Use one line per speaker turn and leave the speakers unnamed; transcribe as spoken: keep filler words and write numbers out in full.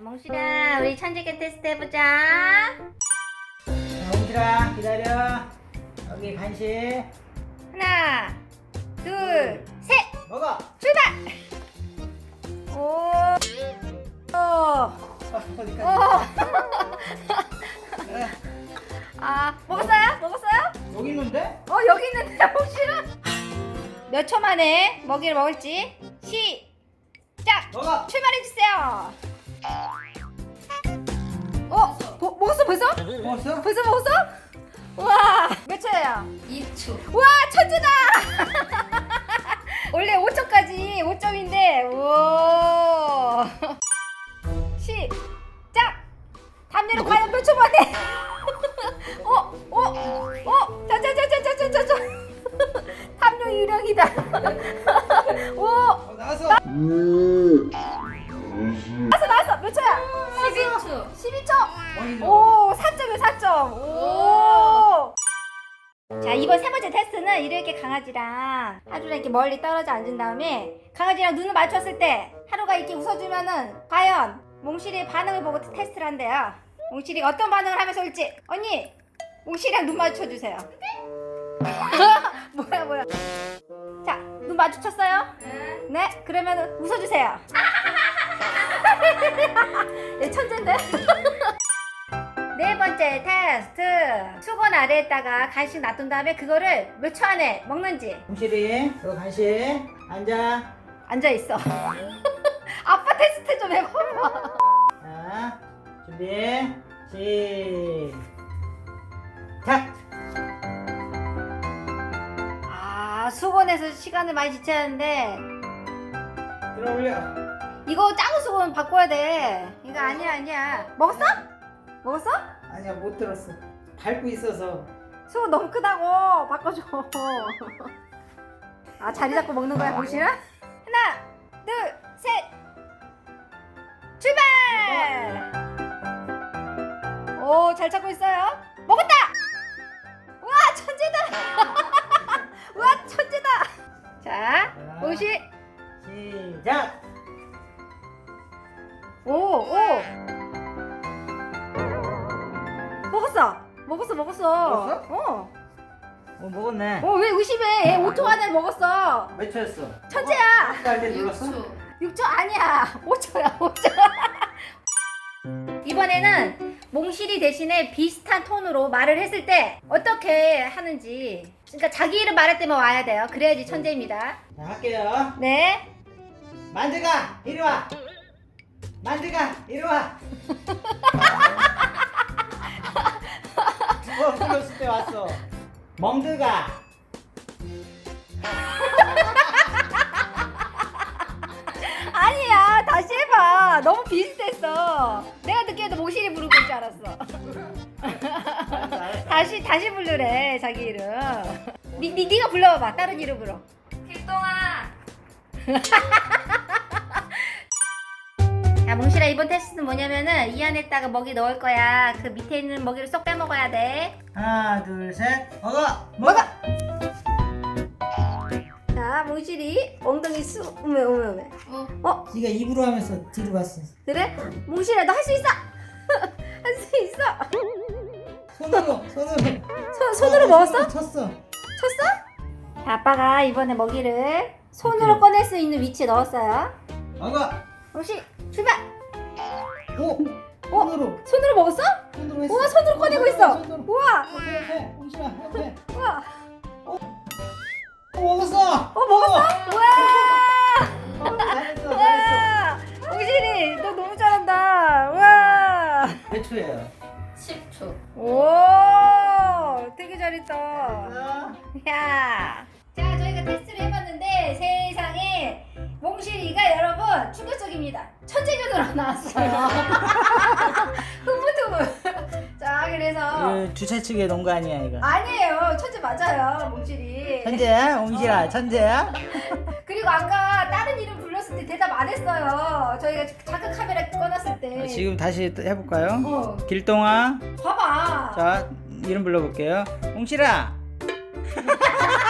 몽실아, 우리 천재견 테스트 해보자.
자, 몽실아 기다려. 여기 간식
하나, 둘, 셋!
먹어.
출발! 오, 오,
어, 어디까지?
오. 아, 먹었어요? 먹었어요?
여기 있는데?
어, 여기 있는데, 몽실아? 몇 초 만에 먹이를 먹을지 시작!
먹어.
출발해주세요. 어? 뭐, 먹었어 벌써?
먹었어?
벌써 먹었어? 우와, 몇 초예요?
이 초.
우와, 천재다! 원래 오 초까지 오 점인데 우와. 시작! 담요를 과연 몇 초 만에? 어? 어? 어? 자자자자자자자. 담요 유령이다. 오!
어, 나왔어.
나왔어 나왔어. 몇 초야?
십이 초.
십이 초.
어이,
오, 사 점이요, 사 점. 오. 자, 이번 세 번째 테스트는 이렇게 강아지랑 하루랑 이렇게 멀리 떨어져 앉은 다음에 강아지랑 눈을 맞췄을 때 하루가 이렇게 웃어주면은 과연 몽실이의 반응을 보고 테스트를 한대요. 몽실이 어떤 반응을 하면서 올지. 언니, 몽실이랑 눈 마주쳐주세요. 뭐야 뭐야. 자, 눈 마주쳤어요?
네.
네, 그러면 웃어주세요. 얘 천재인데? 네 번째 테스트. 수건 아래에다가 간식 놔둔 다음에 그거를 몇 초 안에 먹는지.
몽실이 너 간식 앉아.
앉아있어. 아빠 테스트 좀 해봐봐.
자, 준비 시작.
아, 수건에서 시간을 많이 지체하는데
들어 올려.
이거 작은 수건 바꿔야 돼. 이거 아니야 아니야. 먹었어? 먹었어?
아니야, 못 들었어. 밟고 있어서.
수건 너무 크다고 바꿔줘. 아, 자리 잡고 먹는 거야 보시나? 하나 둘 셋 출발. 오, 잘 찾고 있어요. 먹었다. 우와, 천재다. 우와, 천재다. 자, 오시.
시작.
오, 오. 먹었어. 먹었어, 먹었어.
먹었어?
어.
어, 먹었네.
어, 왜 의심해? 얘 오 초 안에 먹었어.
몇 초였어?
천재야.
아까 때
육
눌렀어?
초.
육 초 아니야. 오 초야, 오 초. 이번에는 몽실이 대신에 비슷한 톤으로 말을 했을 때 어떻게 하는지. 그러니까 자기 이름 말할 때만 와야 돼요. 그래야지 천재입니다.
자, 할게요.
네.
만드가 이리 와. 만드가 이리 와. 두번 불렀을 때 왔어. 멍드가.
아니야, 다시 해봐. 너무 비슷했어. 내가 듣기에도 몽실이 부르고 있는 줄 알았어.
알았어, 알았어.
다시 다시 부르래, 자기 이름. 니, 니, 니가 불러봐봐, 다른 이름으로.
필동아.
야, 몽실아, 이번 테스트는 뭐냐면은 이 안에다가 먹이 넣을 거야. 그 밑에 있는 먹이를 쏙 빼먹어야 돼.
하나, 둘, 셋. 먹어.
먹어. 자, 몽실이 엉덩이 수 오메 오메 오메.
어.
어,
네가 입으로 하면서 뒤로 갔어.
그래? 몽실아, 너 할 수 있어. 할 수 있어.
손으로, 손으로.
손 손으로 먹었어?
쳤어.
쳤어? 자, 아빠가 이번에 먹이를 손으로 꺼낼 수 있는 위치에 넣었어요.
먹어.
몽실 출발.
오.
어?
손으로.
손으로 먹었어?
손으로 했어.
우와, 손으로 꺼내고 있어.
손으로.
우와,
옆에, 옆에. 옹실아, 옆에.
우와.
어, 먹었어.
어, 먹었어? 우와.
어, 잘했어, 잘했어.
우와. 몽실이, 너 너무 잘한다. 우와.
몇 초예요?
십 초.
오, 되게 잘했다.
어?
야. 자, 저희가 테스트를 해봤는데 세상에 몽실이가 여러분 충격적입니다. 천재견으로 나왔어요. 흐뭇흐뭇. 자, 그래서
그 주최 측에 놓은 거 아니야, 이거?
아니에요, 천재 맞아요, 몽실이.
천재야? 옹실아, 천재야?
그리고 아까 다른 이름 불렀을 때 대답 안 했어요. 저희가 자크 카메라 꺼놨을 때.
지금 다시 또 해볼까요?
어,
길동아.
봐봐.
자, 이름 불러볼게요. 옹실아.